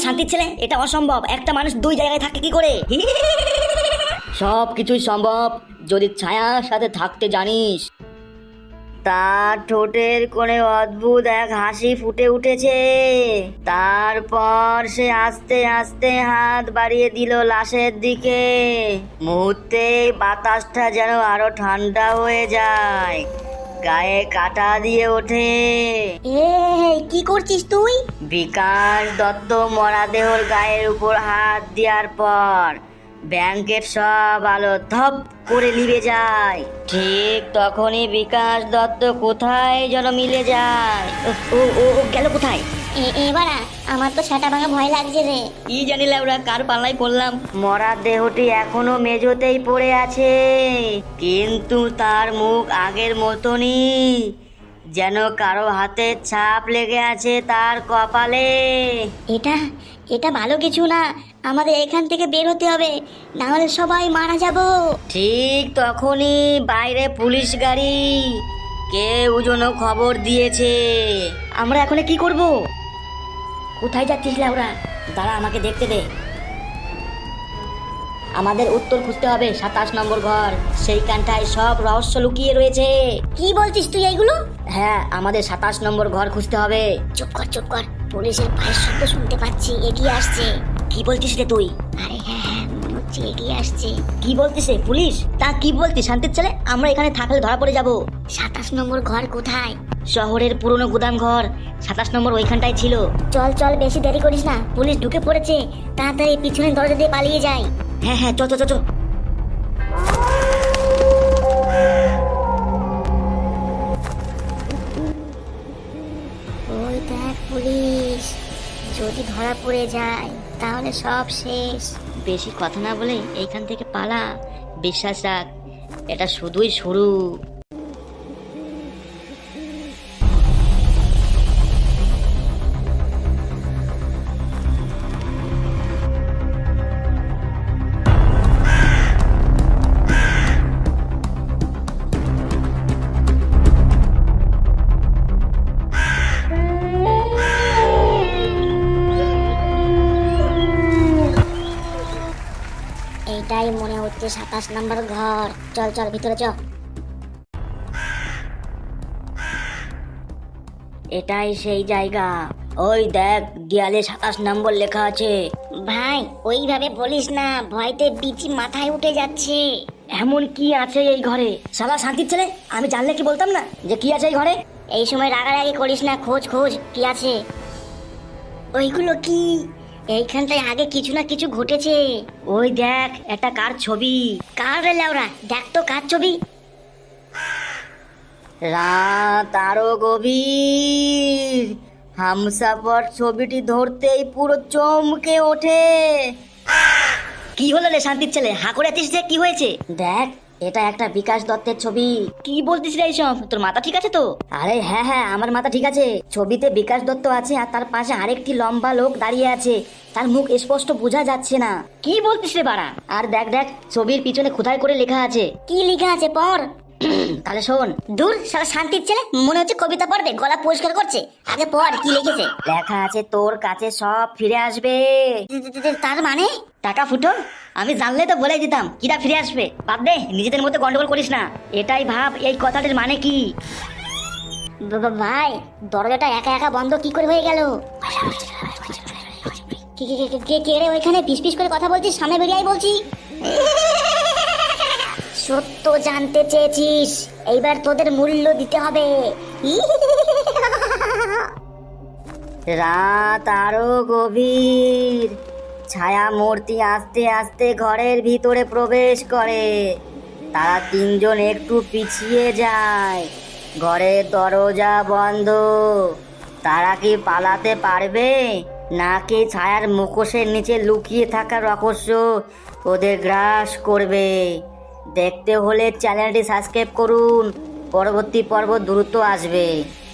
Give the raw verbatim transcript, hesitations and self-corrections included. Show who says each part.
Speaker 1: শান্তির ছেলে, এটা অসম্ভব। একটা মানুষ দুই জায়গায় থাকে কি করে? সব কিছুই সম্ভব যদি ছায়ার সাথে থাকতে জানিস। তার ঠোঁটের কোণে অদ্ভুত এক হাসি ফুটে উঠেছে। তারপর সে আস্তে আস্তে হাত বাড়িয়ে দিল লাশের দিকে। মুহূর্তে বাতাসটা যেন আরো ঠান্ডা হয়ে যায়, গায়ে কাটা দিয়ে ওঠে।
Speaker 2: এই কি করছিস তুই?
Speaker 1: বিকাশ দত্ত মরাদেহর গায়ের উপর হাত দেওয়ার পর ব্যাংকের সব আলো ধপ করে নিভে যায়। ঠিক তখনই বিকাশ দত্ত কোথায় যেন মিলে যায়। ও ও ও গেল কোথায়?
Speaker 2: এবার আমার তো সেটা ভাঙা ভয় লাগছে রে।
Speaker 1: কি জানি ওরা কার পাল্লায় পড়লাম। মরা দেহটি এখনো মেঝোতেই পড়ে আছে, কিন্তু তার মুখ আগের মতনই, যেন কারো হাতের ছাপ লেগে আছে তার কপালে।
Speaker 2: এটা এটা ভালো কিছু না, আমাদের এখান থেকে বের হতে হবে, না হলে সবাই মারা যাব।
Speaker 1: ঠিক তখনই বাইরে পুলিশ গাড়ি। কেউ যেন খবর দিয়েছে। আমরা এখন কি করব? কোথায় যাচ্ছিস লাউরা? দাঁড়া, আমাকে দেখতে দে। আমাদের উত্তর খুঁজতে হবে সাতাশ নম্বর ঘর। সেইখানটায় সব রহস্য লুকিয়ে রয়েছে।
Speaker 2: কি বলছিস তুই এইগুলো?
Speaker 1: হ্যাঁ, আমাদের সাতাশ নম্বর ঘর খুঁজতে হবে।
Speaker 2: চুপ কর চুপ কর, পুলিশের পায়ের শব্দ শুনতে পাচ্ছি, এগিয়ে আসছে।
Speaker 1: কি বলছিস রে তুই?
Speaker 2: আরে হ্যাঁ হ্যাঁ, মনে হচ্ছে এগিয়ে আসছে।
Speaker 1: কি বলতিস রে? পুলিশ? তা কি বলতিস শান্তির ছেলে? আমরা এখানে থাকলে ধরা পড়ে যাব।
Speaker 2: সাতাশ নম্বর ঘর কোথায়?
Speaker 1: শহরের পুরনো গুদাম ঘর সাতাশ নম্বর ওইখানটায় ছিল।
Speaker 2: চল চল, বেশি দেরি করিস না, পুলিশ ঢুকে পড়েছে, তাড়াতাড়ি পিছনের দরজা দিয়ে পালিয়ে যাই।
Speaker 1: হ্যাঁ হ্যাঁ, চল চল চল।
Speaker 2: ওই দেখ পুলিশ, যদি ধরা পড়ে যায় তাহলে সব শেষ।
Speaker 1: বেশি কথা না বলে এইখান থেকে পালা। বিশ্বাস রাখ, এটা শুধুই শুরু।
Speaker 2: এইটাই মনে হচ্ছে সাতাশ নম্বর ঘর। চল চল ভিতরে চ।
Speaker 1: এটাই সেই জায়গা। ওই দেখ, দেয়ালে সাতাশ নম্বর লেখা আছে।
Speaker 2: ভাই ওইভাবে বলিস না, ভয়তে বিচি মাথায় উঠে যাচ্ছে।
Speaker 1: এমন কি আছে এই ঘরে? শালা শান্তির ছেলে, আমি জানলে কি বলতাম না যে কি আছে এই ঘরে?
Speaker 2: এই সময় রাগারাগি করিস না, খোঁজ খোঁজ কি আছে। ওইগুলো কি? এইখানটায় আগে কিছু না কিছু ঘটেছে।
Speaker 1: ওই দেখ, একটা কার ছবি।
Speaker 2: কার রে লাউরা? দেখ তো কার ছবি।
Speaker 1: রাত আরো গভীর। হামসাফার ছবিটি ধরতেই পুরো চমকে ওঠে। কি হলো রে শান্তির ছেলে? হা করে আছিস যে, কি হয়েছে? দেখ, এটা একটা বিকাশ দত্তের ছবি। কি বলতিস রে এইসব? তোর মাথা ঠিক আছে তো? আরে হ্যাঁ হ্যাঁ, আমার মাথা ঠিক আছে। ছবিতে বিকাশ দত্ত আছে আর তার পাশে আরেকটি লম্বা লোক দাঁড়িয়ে আছে। তার মুখ স্পষ্ট বোঝা যাচ্ছে না। কি বলতিস রে বাড়া? আর দেখ দেখ, ছবির পিছনে খোদাই করে লেখা আছে।
Speaker 2: কি লেখা আছে পড়।
Speaker 1: তাহলে শোন।
Speaker 2: দূর শালা শান্তির ছেলে, মনে হচ্ছে কবিতা পড়বে, গলা পরিষ্কার করছে। আগে পড়, কি লিখেছে?
Speaker 1: লেখা আছে, তোর কাছে সব ফিরে আসবে।
Speaker 2: তার মানে?
Speaker 1: টাকা ফুটো, আমি জানলে তো বলে দিতাম কিরা ফিরে আসবে। বাদ দে, নিজেদের মধ্যে গন্ডগোল করিস না। এটাই ভাব এই কথাটির মানে কি।
Speaker 2: ভাই দরজাটা একা একা বন্ধ কি করে হয়ে গেল? কে রে ওইখানে পিস পিস করে কথা বলছিস? সামনে বেরিয়ে আয় বলছি। সত্য জানতে চেয়েছিস, এইবার তোদের মূল্য দিতে হবে।
Speaker 1: রাত আরো গভীর। ছায়া মূর্তি আস্তে আস্তে ঘরের ভিতরে প্রবেশ করে। তারা তিনজন একটু পিছিয়ে যায়। ঘরের দরজা বন্ধ। তারা কি পালাতে পারবে, নাকি ছায়ার মুখোশের নিচে লুকিয়ে থাকা রহস্য ওদের গ্রাস করবে? দেখতে হলে চ্যানেলটি সাবস্ক্রাইব করুন, পরবর্তী পর্ব দ্রুত আসবে।